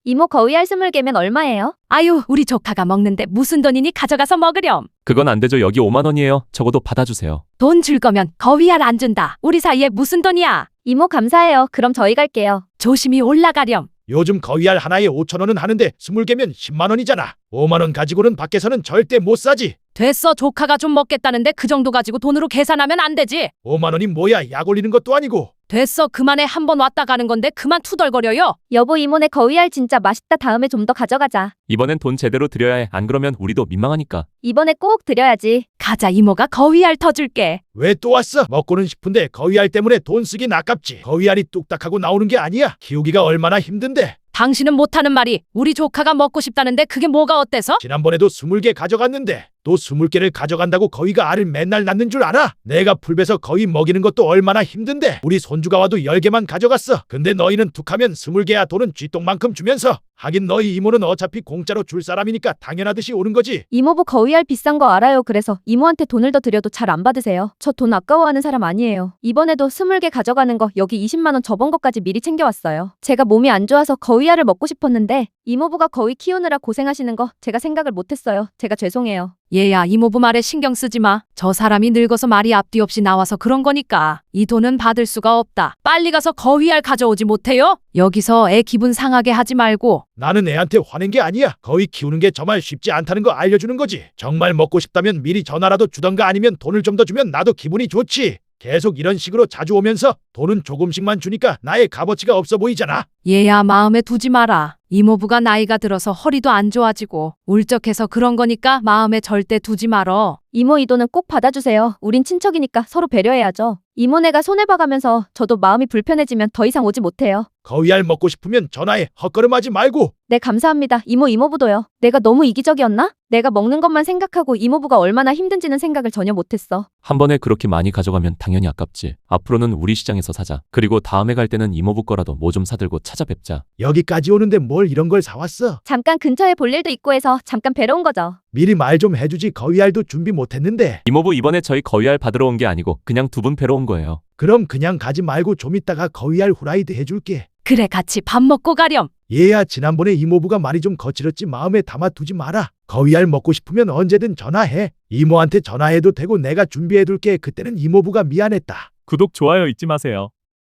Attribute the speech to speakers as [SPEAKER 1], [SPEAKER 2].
[SPEAKER 1] 이모 거위알 20개면 얼마예요?
[SPEAKER 2] 아유, 우리 조카가 먹는데 무슨 돈이니 가져가서 먹으렴.
[SPEAKER 3] 그건 안 되죠. 여기 5만 원이에요. 적어도 받아주세요.
[SPEAKER 2] 돈 줄 거면 거위알 안 준다. 우리 사이에 무슨 돈이야.
[SPEAKER 1] 이모 감사해요. 그럼 저희 갈게요.
[SPEAKER 2] 조심히 올라가렴.
[SPEAKER 4] 요즘 거위알 하나에 5천 원은 하는데 20개면 10만 원이잖아. 5만 원 가지고는 밖에서는 절대 못 사지.
[SPEAKER 2] 됐어. 조카가 좀 먹겠다는데 그 정도 가지고 돈으로 계산하면 안 되지.
[SPEAKER 4] 5만 원이 뭐야? 약 올리는 것도 아니고.
[SPEAKER 2] 됐어. 그만해. 한 번 왔다 가는 건데 그만 투덜거려요.
[SPEAKER 1] 여보 이모네 거위알 진짜 맛있다. 다음에 좀 더 가져가자.
[SPEAKER 3] 이번엔 돈 제대로 드려야 해. 안 그러면 우리도 민망하니까.
[SPEAKER 1] 이번에 꼭 드려야지.
[SPEAKER 2] 가자. 이모가 거위알 터줄게.
[SPEAKER 4] 왜 또 왔어? 먹고는 싶은데 거위알 때문에 돈 쓰긴 아깝지. 거위알이 뚝딱하고 나오는 게 아니야. 키우기가 얼마나 힘든데.
[SPEAKER 2] 당신은 못하는 말이 우리 조카가 먹고 싶다는데 그게 뭐가 어때서?
[SPEAKER 4] 지난번에도 20개 가져갔는데 또 20개를 가져간다고 거위가 알을 맨날 낳는 줄 알아? 내가 풀베서 거위 먹이는 것도 얼마나 힘든데 우리 손주가 와도 10개만 가져갔어. 근데 너희는 툭하면 20개야. 돈은 쥐똥만큼 주면서. 하긴 너희 이모는 어차피 공짜로 줄 사람이니까 당연하듯이 오는 거지.
[SPEAKER 1] 이모부 거위알 비싼 거 알아요. 그래서 이모한테 돈을 더 드려도 잘 안 받으세요. 저 돈 아까워하는 사람 아니에요. 이번에도 20개 가져가는 거 여기 20만 원 저번 것까지 미리 챙겨왔어요. 제가 몸이 안 좋아서 거위알을 먹고 싶었는데 이모부가 거위 키우느라 고생하시는 거 제가 생각을 못했어요. 제가 죄송해요.
[SPEAKER 2] 얘야, 이모부 말에 신경 쓰지 마. 저 사람이 늙어서 말이 앞뒤 없이 나와서 그런 거니까. 이 돈은 받을 수가 없다. 빨리 가서 거위알 가져오지 못해요? 여기서 애 기분 상하게 하지 말고.
[SPEAKER 4] 나는 애한테 화낸 게 아니야. 거위 키우는 게 정말 쉽지 않다는 거 알려주는 거지. 정말 먹고 싶다면 미리 전화라도 주던가 아니면 돈을 좀 더 주면 나도 기분이 좋지. 계속 이런 식으로 자주 오면서 돈은 조금씩만 주니까 나의 값어치가 없어 보이잖아.
[SPEAKER 2] 얘야, 마음에 두지 마라. 이모부가 나이가 들어서 허리도 안 좋아지고 울적해서 그런 거니까 마음에 절대 두지 말어.
[SPEAKER 1] 이모 이 돈은 꼭 받아주세요. 우린 친척이니까 서로 배려해야죠. 이모네가 손해봐가면서 저도 마음이 불편해지면 더 이상 오지 못해요.
[SPEAKER 4] 거위알 먹고 싶으면 전화해. 헛걸음하지 말고.
[SPEAKER 1] 네 감사합니다. 이모부도요. 내가 너무 이기적이었나? 내가 먹는 것만 생각하고 이모부가 얼마나 힘든지는 생각을 전혀 못했어.
[SPEAKER 3] 한 번에 그렇게 많이 가져가면 당연히 아깝지. 앞으로는 우리 시장에서 사자. 그리고 다음에 갈 때는 이모부 거라도 뭐 좀 사들고 찾아뵙자.
[SPEAKER 4] 여기까지 오는데 뭘 이런 걸 사왔어?
[SPEAKER 1] 잠깐 근처에 볼 일도 있고 해서 잠깐 뵈러 온 거죠.
[SPEAKER 4] 미리 말 좀 해주지. 거위알도 준비 못했는데.
[SPEAKER 3] 이모부 이번에 저희 거위알 받으러 온 게 아니고 그냥 두 분 뵈러 온 거예요.
[SPEAKER 4] 그럼 그냥 가지 말고 좀 이따가 거위알 후라이드 해줄게.
[SPEAKER 2] 그래, 같이 밥 먹고 가렴.
[SPEAKER 4] 얘야, 지난번에 이모부가 말이 좀 거칠었지 마음에 담아두지 마라. 거위알 먹고 싶으면 언제든 전화해. 이모한테 전화해도 되고 내가 준비해둘게. 그때는 이모부가 미안했다.
[SPEAKER 5] 구독, 좋아요 잊지 마세요.